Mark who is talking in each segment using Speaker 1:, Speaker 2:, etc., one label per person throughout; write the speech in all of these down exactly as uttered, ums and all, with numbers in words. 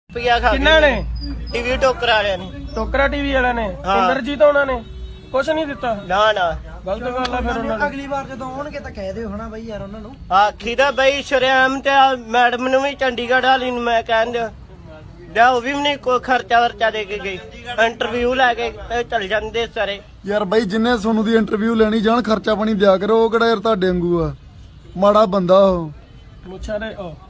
Speaker 1: ਕਿੰਨਾ ਨੇ
Speaker 2: ਟੀਵੀ ਟੋਕਰ ਵਾਲਿਆਂ ਨੇ
Speaker 1: ਟੋਕਰਾ ਟੀਵੀ ਵਾਲਿਆਂ ਨੇ
Speaker 2: ਹਾਂ।
Speaker 1: ਇੰਦਰਜੀਤ ਉਹਨਾਂ ਨੇ ਕੁਛ ਨਹੀਂ ਦਿੱਤਾ।
Speaker 2: ਨਾ ਨਾ
Speaker 1: ਗਲਤ ਗੱਲ ਆ ਫਿਰ ਉਹਨਾਂ ਨੇ।
Speaker 3: ਅਗਲੀ ਵਾਰ ਜਦੋਂ ਆਉਣਗੇ ਤਾਂ ਕਹਿ ਦਿਓ ਹਨਾ ਬਈ ਯਾਰ ਉਹਨਾਂ ਨੂੰ।
Speaker 2: ਆਖੀ ਦਾ ਬਈ ਸ਼ਰਿਆਮ ਤੇ ਆ ਮੈਡਮ ਨੂੰ ਵੀ ਚੰਡੀਗੜ੍ਹ ਵਾਲੀ ਨੂੰ ਮੈਂ ਕਹਿੰਦੇ ਜਾ ਉਹ ਵੀ ਨਹੀਂ ਕੋਈ ਖਰਚਾ ਵਰਚਾ ਦੇ ਕੇ ਗਈ। ਇੰਟਰਵਿਊ ਲੈ ਕੇ ਤੇ ਚਲ ਜਾਂਦੇ ਸਾਰੇ।
Speaker 4: ਯਾਰ ਬਾਈ ਜਿੰਨੇ ਸੋਨੂੰ ਦੀ ਇੰਟਰਵਿਊ ਲੈਣੀ ਜਾਣ ਖਰਚਾ ਪਾਣੀ ਦਿਆ ਕਰੋ। ਉਹ ਕਿਹੜਾ ਯਾਰ ਤੁਹਾਡੇ ਵਾਂਗੂ ਆ ਮਾੜਾ ਬੰਦਾ ਉਹ।
Speaker 1: ਮੁੱਛਾਂ ਦੇ ਉਹ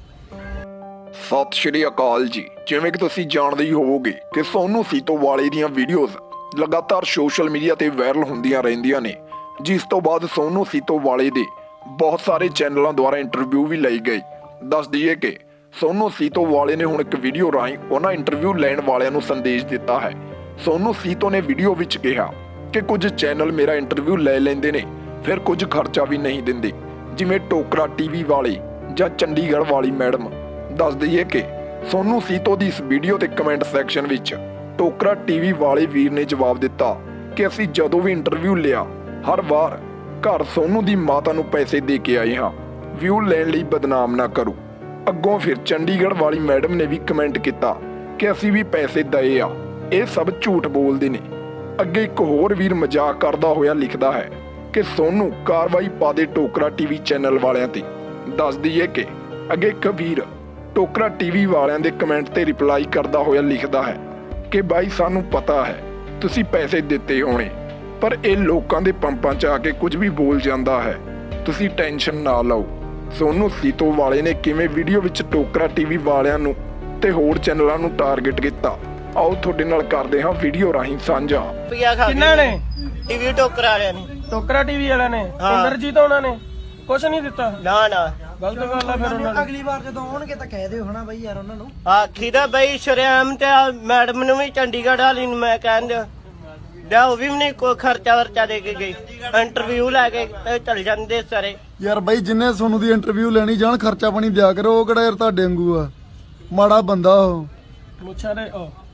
Speaker 5: ਸਤਿ ਸ਼੍ਰੀ ਅਕਾਲ ਜੀ। ਜਿਵੇਂ ਕਿ ਤੁਸੀਂ ਜਾਣਦੇ ਹੀ ਹੋਵੋਗੇ ਕਿ ਸੋਨੂ ਸੀਤੋ ਵਾਲੇ ਦੀਆਂ ਵੀਡੀਓਜ਼ ਲਗਾਤਾਰ ਸੋਸ਼ਲ ਮੀਡੀਆ ਤੇ ਵਾਇਰਲ ਹੁੰਦੀਆਂ ਰਹਿੰਦੀਆਂ ਨੇ, ਜਿਸ ਤੋਂ ਬਾਅਦ ਸੋਨੂ ਸੀਤੋ ਵਾਲੇ ਦੇ ਬਹੁਤ ਸਾਰੇ ਚੈਨਲਾਂ ਦੁਆਰਾ ਇੰਟਰਵਿਊ ਵੀ ਲਈ ਗਈ। ਦੱਸ ਦਈਏ ਕਿ ਸੋਨੂ ਸੀਤੋ ਵਾਲੇ ਨੇ ਹੁਣ ਇੱਕ ਵੀਡੀਓ ਰਾਹੀਂ ਉਹਨਾਂ ਇੰਟਰਵਿਊ ਲੈਣ ਵਾਲਿਆਂ ਨੂੰ ਸੰਦੇਸ਼ ਦਿੱਤਾ ਹੈ। ਸੋਨੂ ਸੀਤੋ ਨੇ ਵੀਡੀਓ ਵਿੱਚ ਕਿਹਾ ਕਿ ਕੁਝ ਚੈਨਲ ਮੇਰਾ ਇੰਟਰਵਿਊ ਲੈ ਲੈਂਦੇ ਨੇ, ਫਿਰ ਕੁਝ ਖਰਚਾ ਵੀ ਨਹੀਂ ਦਿੰਦੇ, ਜਿਵੇਂ ਟੋਕਰਾ ਟੀਵੀ ਵਾਲੇ ਜਾਂ ਚੰਡੀਗੜ੍ਹ ਵਾਲੀ ਮੈਡਮ। ਦੱਸ ਦਈਏ ਕਿ ਸੋਨੂ ਸੀਤੋ ਦੀ ਇਸ ਵੀਡੀਓ ਤੇ ਕਮੈਂਟ ਸੈਕਸ਼ਨ ਵਿੱਚ ਟੋਕਰਾ ਟੀਵੀ ਵਾਲੇ ਵੀਰ ਨੇ ਜਵਾਬ ਦਿੱਤਾ ਕਿ ਅਸੀਂ ਜਦੋਂ ਵੀ ਇੰਟਰਵਿਊ ਲਿਆ ਹਰ ਵਾਰ ਘਰ ਸੋਨੂ ਦੀ ਮਾਤਾ ਨੂੰ ਪੈਸੇ ਦੇ ਕੇ ਆਏ ਹਾਂ, ਵਿਊ ਲੈਣ ਲਈ ਬਦਨਾਮ ਨਾ ਕਰੋ। ਅੱਗੋਂ ਫਿਰ ਚੰਡੀਗੜ੍ਹ ਵਾਲੀ ਮੈਡਮ ਨੇ ਵੀ ਕਮੈਂਟ ਕੀਤਾ ਕਿ ਅਸੀਂ ਵੀ ਪੈਸੇ ਦਏ ਆ, ਇਹ ਸਭ ਝੂਠ ਬੋਲਦੇ ਨੇ। ਅੱਗੇ ਇੱਕ ਹੋਰ ਵੀਰ ਮਜ਼ਾਕ ਕਰਦਾ ਹੋਇਆ ਲਿਖਦਾ ਹੈ ਕਿ ਸੋਨੂ ਕਾਰਵਾਈ ਪਾ ਦੇ ਟੋਕਰਾ ਟੀਵੀ ਚੈਨਲ ਵਾਲਿਆਂ ਤੇ। ਦੱਸ ਦਈਏ ਕਿ ਅੱਗੇ ਇੱਕ ਵੀਰ ਟੋਕਰਾ ਟੀਵੀ ਵਾਲਿਆਂ ਦੇ ਕਮੈਂਟ ਤੇ ਰਿਪਲਾਈ ਕਰਦਾ ਹੋਇਆ ਲਿਖਦਾ ਹੈ ਕਿ ਬਾਈ ਸਾਨੂੰ ਪਤਾ ਹੈ ਤੁਸੀਂ ਪੈਸੇ ਦਿੱਤੇ ਹੋਣੇ, ਪਰ ਇਹ ਲੋਕਾਂ ਦੇ ਪੰਪਾਂ 'ਚ ਆ ਕੇ ਕੁਝ ਵੀ ਬੋਲ ਜਾਂਦਾ ਹੈ, ਤੁਸੀਂ ਟੈਨਸ਼ਨ ਨਾ ਲਓ। ਸੋਨੂ ਸੀਤੋ ਵਾਲੇ ਨੇ ਕਿਵੇਂ ਵੀਡੀਓ ਵਿੱਚ ਟੋਕਰਾ ਟੀਵੀ ਵਾਲਿਆਂ ਨੂੰ ਤੇ ਹੋਰ ਚੈਨਲਾਂ ਨੂੰ ਟਾਰਗੇਟ ਕੀਤਾ, ਆਓ ਤੁਹਾਡੇ ਨਾਲ ਕਰਦੇ ਹਾਂ ਵੀਡੀਓ ਰਾਹੀਂ ਸਾਂਝਾ।
Speaker 1: ਕਿੰਨਾ ਨੇ
Speaker 2: ਟੀਵੀ ਟੋਕਰ ਵਾਲਿਆਂ ਨੇ
Speaker 1: ਟੋਕਰਾ ਟੀਵੀ ਵਾਲਿਆਂ ਨੇ
Speaker 2: ਹਾਂ।
Speaker 1: ਇੰਦਰਜੀਤ ਉਹਨਾਂ ਨੇ ਕੁਛ ਨਹੀਂ ਦਿੱਤਾ।
Speaker 2: ਨਾ ਨਾ
Speaker 1: ਗਲਤ ਗੱਲ ਆ ਫਿਰ ਉਹਨਾਂ ਨੇ।
Speaker 3: ਅਗਲੀ ਵਾਰ ਜਦੋਂ ਆਉਣਗੇ ਤਾਂ ਕਹਿ ਦਿਓ ਹਨਾ ਬਈ ਯਾਰ ਉਹਨਾਂ ਨੂੰ।
Speaker 2: ਆਖੀ ਦਾ ਬਈ ਸ਼ਰਿਆਮ ਤੇ ਆ ਮੈਡਮ ਨੂੰ ਵੀ ਚੰਡੀਗੜ੍ਹ ਵਾਲੀ ਨੂੰ ਮੈਂ ਕਹਿੰਦੇ ਜਾ ਉਹ ਵੀ ਨਹੀਂ ਕੋਈ ਖਰਚਾ ਵਰਚਾ ਦੇ ਕੇ ਗਈ। ਇੰਟਰਵਿਊ ਲੈ ਕੇ ਤੇ ਚਲ ਜਾਂਦੇ ਸਾਰੇ।
Speaker 4: ਯਾਰ ਬਾਈ ਜਿੰਨੇ ਸੋਨੂੰ ਦੀ ਇੰਟਰਵਿਊ ਲੈਣੀ ਜਾਣ ਖਰਚਾ ਪਾਣੀ ਦਿਆ ਕਰੋ। ਉਹ ਕਿਹੜਾ ਯਾਰ ਤੁਹਾਡੇ ਵਾਂਗੂ ਆ ਮਾੜਾ ਬੰਦਾ ਉਹ।
Speaker 1: ਮੁੱਛਾਂ ਦੇ ਉਹ